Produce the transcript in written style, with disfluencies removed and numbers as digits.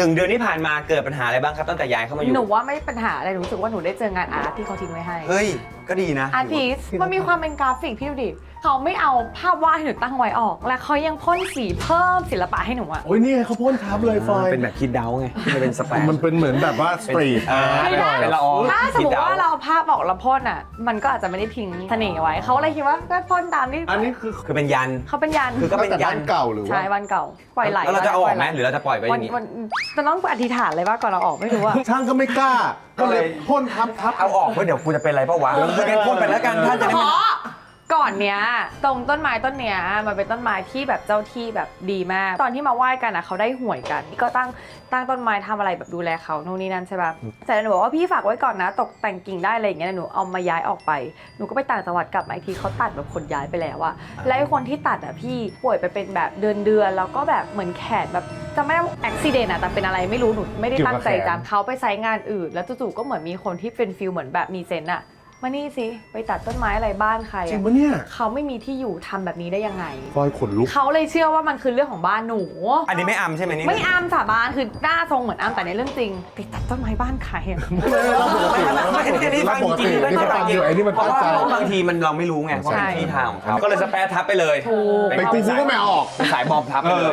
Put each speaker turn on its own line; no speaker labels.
1 เดือนที่ผ่านมาเกิดปัญหาอะไรบ้างครับตั้งแต่ย้ายเข้ามาอยู่
หนูว่าไม่ปัญหาอะไรหนูรู้สึกว่าหนูได้เจองานอาร์ตที่เขาทิ้งไว้ให้
เฮ้ยก็ดีนะ
อาร์ติสมันมีความเป็นกราฟิกพี่ดูดิเขาไม่เอาภาพวาดให้หนูตั้งไว้ออก และเขายังพ่นสีเพิ่มศิลปะให้หนูอะ
โอ้ยนี่ไงเขาพ่นทับเลยไฟ
เป็นแบบคิดเดาไงมันเป็นสแปร
มันเป็นเหมือนแบบว่าสตรีทอาร์ต
ไม่
ห
ได้
น่อย
เป็นละออง
ถ้าสมมติว่า
คิดเดา
เราเอาภาพออกแล้วพ่นอะมันก็อาจจะไม่ได้ทิ้งเสน่ห์ไว้เขาเลยคิดว่าก็พ่นตามที่
อันนี้คือ
คือเป็นยัน
เขาเป็นยัน
คือก็เป็น
แต่
ยั
บ้าน นเก่าหรือว่า
ใช่วันเก่าปล่อยไหล
แล้วเราจะเอาออกไหม
ปล่ย
หรือเราจะปล่อยไว้อย่างนี้
วันจะต้องอธิษฐานเลยว่าก่อนเราออกไม่รู้อะ
ช่างก็ไม่กล้า ก็เลยพ่นทับ
เอาออกเพื่อเดี๋ยวกูจะเป็นอะไรเปล่าวะคืองั้นพ่นไปแล้วกันท่านจะได้
ข
ไม่
อก่อนเนี้ยตรงต้นไม้ต้นเนี้ยมันเป็นต้นไม้ที่แบบเจ้าที่แบบดีมาก ตอนที่มาไหว้กันอะเขาได้หวยกันก็ตั้งต้นไม้ทำอะไรแบบดูแลเขาโน่นนี่นั่นใช่ป่ะแต่หนูบอกว่าพี่ฝากไว้ก่อนนะตกแต่งกิ่งได้อะไรอย่างเงี้ยหนูเอามาย้ายออกไปหนูก็ไปต่างจังหวัดกลับมาอีกทีเขาตัดแบบคนย้ายไปแล้วอะแล้วไอ้คนที่ตัดอะพี่ป่วยไปเป็นแบบเดือนแล้วก็แบบเหมือนแขนแบบจะไม่ได้อุบิเหตุอะแต่เป็นอะไรไม่รู้หนูไม่ได้ตั้งใจจำเขาไปไซต์งานอื่นแล้วจู่ๆก็เหมือนมีคนที่เป็นฟิลเหมือนแบบมีเซนต์อะมานี่สิไปตัดต้นไม้อะไรบ้านใคร
จริ
อะ
งปะเนี่ย
เขาไม่มีที่อยู่ทำแบบนี้ได้ยังไง
ฟอยขนลุก
เขาเลยเชื่อว่ามันคือเรื่องของบ้านหนู
อันนี้ไม่อำใช่ไหมนี่
ไม่อามสาบานคือหน้าทรงเหมือนอามแต่ในเรื่องจริงไปตัดต้นไม้บ้านใครอะ
ไม่นี่ฟังจริงๆ
นี่ก็ฟังอยู่ไอ้นี่มัน
เพราะ
ตั้งใจ
ว่าบางทีมันเราไม่รู้ไงว่าเป็นที่ทางของเขาก็เลยสแปรทับไปเลย
ถูก
ไปกูก็ไม่เอาออก
เป็นสายบอมทับไปเลย